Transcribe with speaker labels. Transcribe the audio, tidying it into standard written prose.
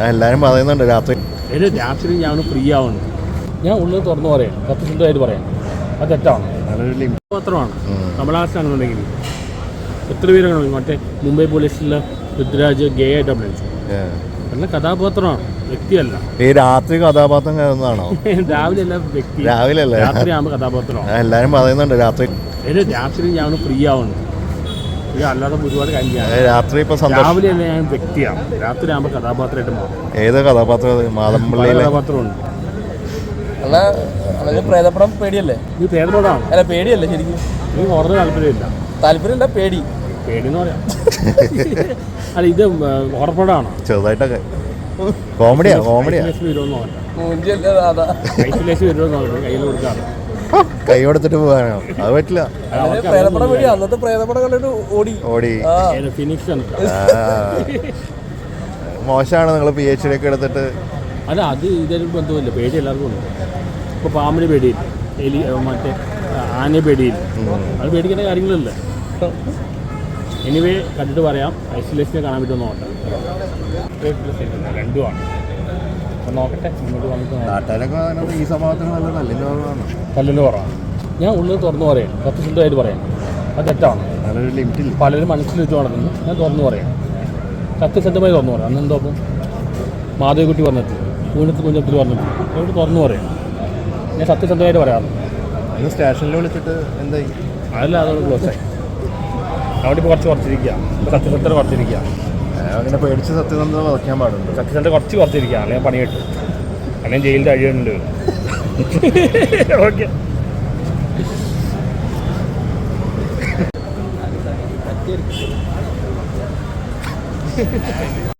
Speaker 1: എല്ലാരും പറയുന്നുണ്ട് രാത്രി
Speaker 2: രാത്രി ഞാൻ ഫ്രീ ആവുന്നു. ഞാൻ ഉള്ളത് തുറന്നു പറയാം, സത്യസന്ധമായിട്ട് പറയാം. അത് തെറ്റാണ്, മാത്രമാണ് കമലഹാസനാണെന്നുണ്ടെങ്കിൽ എത്ര പേരാണ് മറ്റേ മുംബൈ പോലീസിലെ പൃഥ്വിരാജ് ഗേ ആയിട്ട് അഭിനയിച്ചു. നല്ല കഥാപാത്രമാണ്, വ്യക്തിയല്ല.
Speaker 1: ഈ രാത്രി കഥാപാത്രം കയറുന്നതാണോ?
Speaker 2: രാവിലെ അല്ല വ്യക്തി,
Speaker 1: രാവിലെ അല്ലേ?
Speaker 2: രാത്രി ആകുമ്പോൾ കഥാപാത്രമാണ്.
Speaker 1: എല്ലാരും പറയുന്നുണ്ട് രാത്രി
Speaker 2: രാത്രി ഞാൻ ഫ്രീ ആവുന്നു. അല്ലാതെ ഒരുപാട് കാര്യം
Speaker 1: രാത്രി ഇപ്പൊ
Speaker 2: രാവിലെ അല്ല ഞാൻ വ്യക്തിയാണ്, രാത്രി ആകുമ്പോൾ കഥാപാത്രമായിട്ട് മാറും.
Speaker 1: ഏത് കഥാപാത്രം? മാതമ്പള്ളിയിലെ
Speaker 2: കഥാപാത്രമുണ്ട്.
Speaker 3: പ്രേതപ്പടം പേടിയല്ലേ?
Speaker 2: ഈ പ്രേതപടമാണ്.
Speaker 3: അല്ല പേടിയല്ലേ ശരിക്കും?
Speaker 2: എനിക്ക് ഹൊറർ താല്പര്യമില്ല, പേടി എന്ന് പറയാം. അല്ല ഇത് ഹൊറർപടമാണ്,
Speaker 1: ചെറുതായിട്ടൊക്കെ കോമഡിയാ
Speaker 2: കയ്യിൽ കൊടുക്കാറ്.
Speaker 1: കൈ കൊടുത്തിട്ട് പോകാനോ? അത് പറ്റില്ല.
Speaker 3: അന്നത്തെ പ്രേതപ്പടം കണ്ടിട്ട് ഓടി
Speaker 2: ഫിനിക്സ്.
Speaker 1: മോശമാണ് നിങ്ങൾ PhD ഒക്കെ എടുത്തിട്ട്.
Speaker 2: അല്ല അത് ഇതൊരു ബന്ധമില്ല, പേടി എല്ലാവർക്കും ഉണ്ട്. ഇപ്പോൾ പാമ്പിന് പേടിയില്ല, എലി മറ്റേ ആനയെ പേടിയില്ല, അത് പേടിക്കേണ്ട കാര്യങ്ങളില്ല. എനിവേ കണ്ടിട്ട് പറയാം. ഐസൊലേഷനെ കാണാൻ പറ്റുമെന്ന് നോക്കാം, രണ്ടുമാണ്. അപ്പം നോക്കട്ടെ, മുന്നോട്ട് വന്നിട്ട്
Speaker 1: ഈ സംഭവത്തിന് നല്ല
Speaker 2: കല്ലിന് കുറവാണ്. ഞാൻ ഉള്ളത് തുറന്നു പറയാം, സത്യസന്ധമായിട്ട് പറയാം. അത് തെറ്റാണ്, പലരും മനസ്സിൽ വെച്ച് നടക്കുന്നു. ഞാൻ തുറന്നു പറയാം, സത്യസന്ധമായി തുറന്നു പറയാം. അന്ന് എന്തോ അപ്പം മാധവിക്കുട്ടി പറഞ്ഞിട്ട് കുഞ്ഞത്തിൽ പറഞ്ഞിട്ട് അതുകൊണ്ട് തുറന്നു പറയാം. ഞാൻ സത്യസന്ധമായിട്ട് പറയാറുണ്ട്.
Speaker 1: സ്റ്റേഷനിൽ വിളിച്ചിട്ട് എന്തായി?
Speaker 2: അതല്ല, അതോട് ക്ലോസായി. അവിടെ ഇപ്പോൾ കുറച്ചിരിക്കുക, ഇപ്പോൾ സത്യസന്ധത കുറച്ചിരിക്കുക.
Speaker 1: അങ്ങനെ പേടിച്ച് സത്യസന്ധത വയ്ക്കാൻ പാടുണ്ട്.
Speaker 2: സത്യസന്ധത കുറച്ചിരിക്കുക, അല്ലെങ്കിൽ പണി കിട്ടും, അല്ലെങ്കിൽ ജയിലിൽ കഴിയുന്നുണ്ട്. ഓക്കെ.